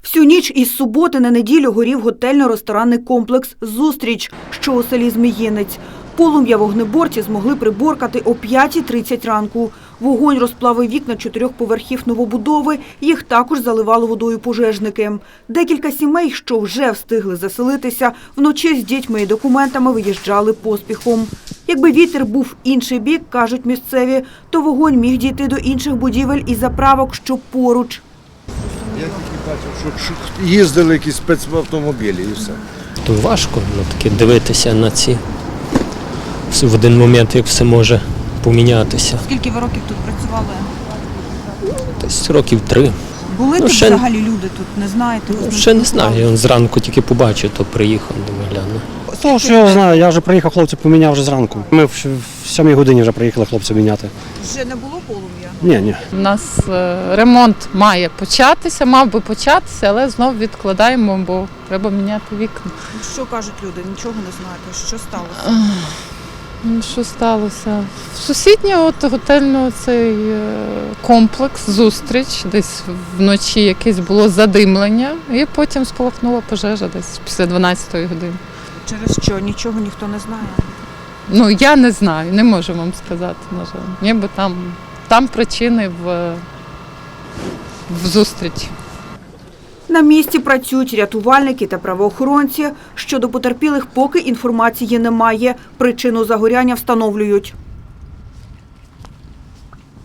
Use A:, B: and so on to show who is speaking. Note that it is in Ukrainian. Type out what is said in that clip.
A: Всю ніч із суботи на неділю горів готельно-ресторанний комплекс «Зустріч», що у селі Зміїнець. Полум'я вогнеборці змогли приборкати о 5:30 ранку. Вогонь розплавив вікна 4 поверхів новобудови, їх також заливали водою пожежники. Декілька сімей, що вже встигли заселитися, вночі з дітьми і документами виїжджали поспіхом. Якби вітер був в інший бік, кажуть місцеві, то вогонь міг дійти до інших будівель і заправок, що поруч.
B: Я тільки бачив, що їздили якісь спецавтомобілі і все.
C: То важко таки дивитися на ці. В один момент, як все може помінятися.
A: Скільки ви років тут працювали?
C: Десь років 3.
A: Були тут взагалі люди тут, не знаєте?
C: Ще не знаю, я зранку тільки побачив, то приїхав, думаю, гляну.
D: З того, що я знаю, я вже приїхав, хлопці поміняв вже зранку. Ми в 7 годині вже приїхали хлопців міняти.
A: Вже не було полум'я?
D: Ні.
E: У нас ремонт має початися, мав би початися, але знов відкладаємо, бо треба міняти вікна.
A: Що кажуть люди? Нічого не знаєте. Що сталося?
E: Що сталося? Сусідній готельний цей комплекс, зустріч, десь вночі якесь було задимлення і потім спалахнула пожежа десь після 12-ї години.
A: Через що? Нічого ніхто не знає?
E: Ну, я не знаю, не можу вам сказати, на жаль. Ніби там причини в зустрічі.
A: На місці працюють рятувальники та правоохоронці. Щодо потерпілих поки інформації немає. Причину загоряння встановлюють.